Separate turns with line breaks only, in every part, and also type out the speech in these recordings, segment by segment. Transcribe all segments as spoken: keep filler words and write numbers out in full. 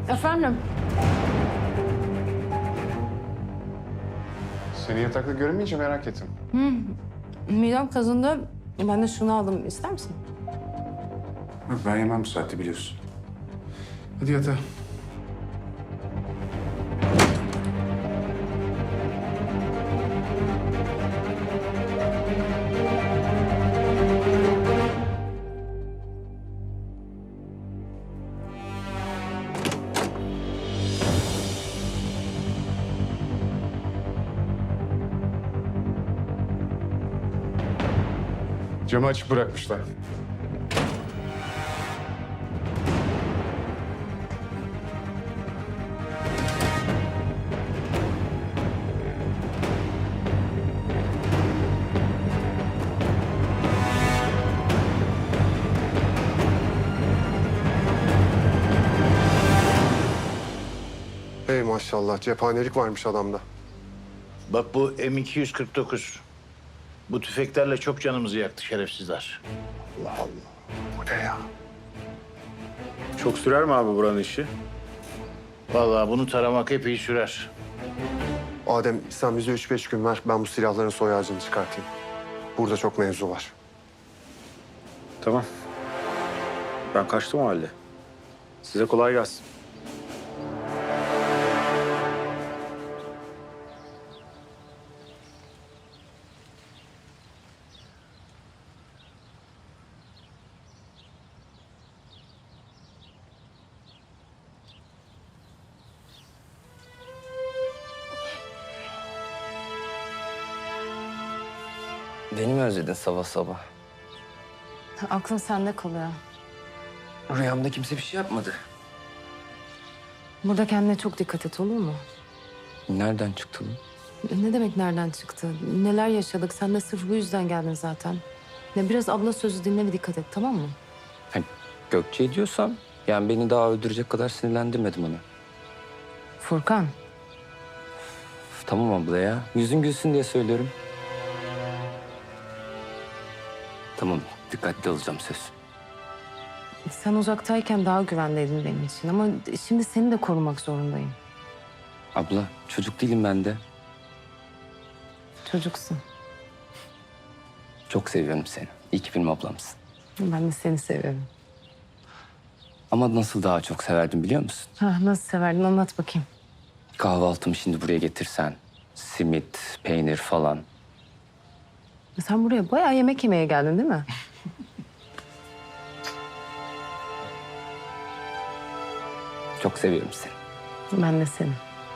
Efendim?
Seni yatakta göremeyince merak ettim.
Midem kazındı. Ben de şunu aldım. İster misin?
Yok, ben yemem bu saatte biliyorsun. Hadi yatağa. Camı açık bırakmışlar.
Hey maşallah, cephanelik varmış adamda.
Bak bu M iki yüz kırk dokuz. Bu tüfeklerle çok canımızı yaktı şerefsizler.
Allah Allah. Bu ne ya?
Çok sürer mi abi buranın işi?
Vallahi bunu taramak epey sürer.
Adem, sen bize üç beş gün ver, ben bu silahların soy ağacını çıkartayım. Burada çok mevzu var.
Tamam. Ben kaçtım o halde. Size kolay gelsin.
Beni mi özledin sabah sabah?
Aklım sende kalıyor.
Rüyamda kimse bir şey yapmadı.
Burada kendine çok dikkat et, olur mu?
Nereden çıktı bu?
Ne demek nereden çıktı? Neler yaşadık? Sen de sırf bu yüzden geldin zaten. Ya biraz abla sözü dinle ve dikkat et, tamam mı?
Hani Gökçe diyorsam, yani beni daha öldürecek kadar sinirlendirmedim onu.
Furkan,
Üf, tamam abla ya. Yüzün gülsün diye söylüyorum. Tamam, dikkatli olacağım söz.
sen uzaktayken daha güvendeydin benim için ama şimdi seni de korumak zorundayım.
Abla, çocuk değilim ben de.
Çocuksun.
Çok seviyorum seni. İyi ki benim ablamsın.
Ben de seni seviyorum.
Ama nasıl daha çok severdim biliyor musun?
Ha, nasıl severdin anlat bakayım.
Kahvaltımı şimdi buraya getirsen. Simit, peynir falan.
Sen buraya bayağı yemek yemeye geldin değil mi?
Çok seviyorum seni.
Ben de seni.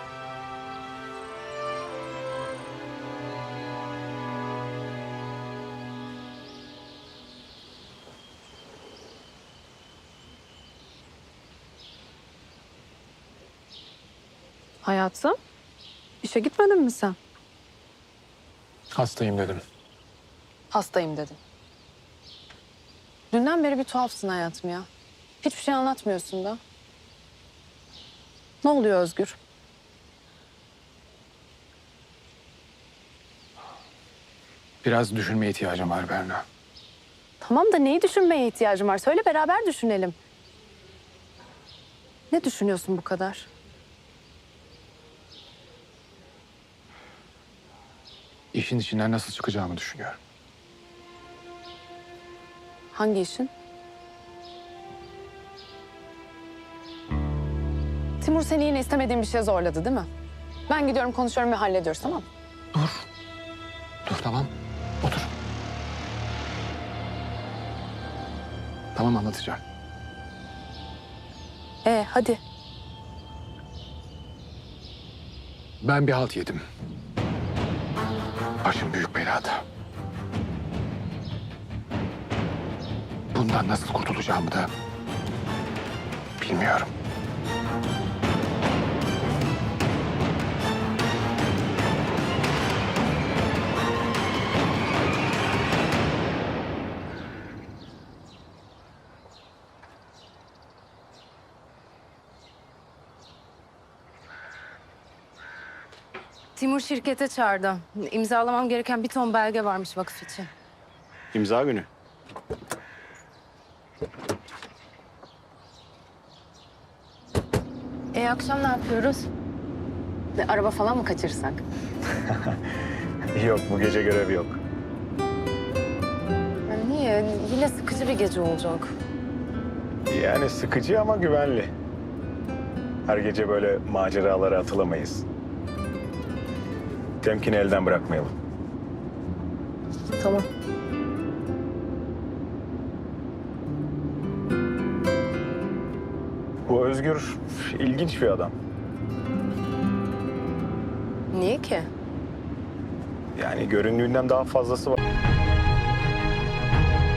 Hayatım, işe gitmedin mi sen?
Hastayım dedim.
Hastayım dedin. Dünden beri bir tuhafsın hayatım ya. Hiçbir şey anlatmıyorsun da. Ne oluyor Özgür?
Biraz düşünmeye ihtiyacım var Berna.
Tamam da neyi düşünmeye ihtiyacım var? Söyle beraber düşünelim. Ne düşünüyorsun bu kadar?
İşin içinden nasıl çıkacağımı düşünüyorum.
Hangi işin? Timur seni yine istemediğin bir şeye zorladı değil mi? Ben gidiyorum konuşuyorum ve hallediyoruz tamam mı?
Dur tamam. Otur. Tamam anlatacağım.
Ee hadi.
Ben bir halt yedim. Başım büyük belada. Bundan nasıl kurtulacağımı da bilmiyorum.
Timur şirkete çağırdı. İmzalamam gereken bir ton belge varmış vakıf için.
İmza günü.
E akşam ne yapıyoruz? E, araba falan mı kaçırsak?
Yok, bu gece görevi yok.
Ya niye? Yine sıkıcı bir gece olacak.
Yani sıkıcı ama güvenli. Her gece böyle maceralara atılamayız. Temkini elden bırakmayalım.
Tamam.
Bu Özgür ilginç bir adam.
Niye ki?
Yani göründüğünden daha fazlası var.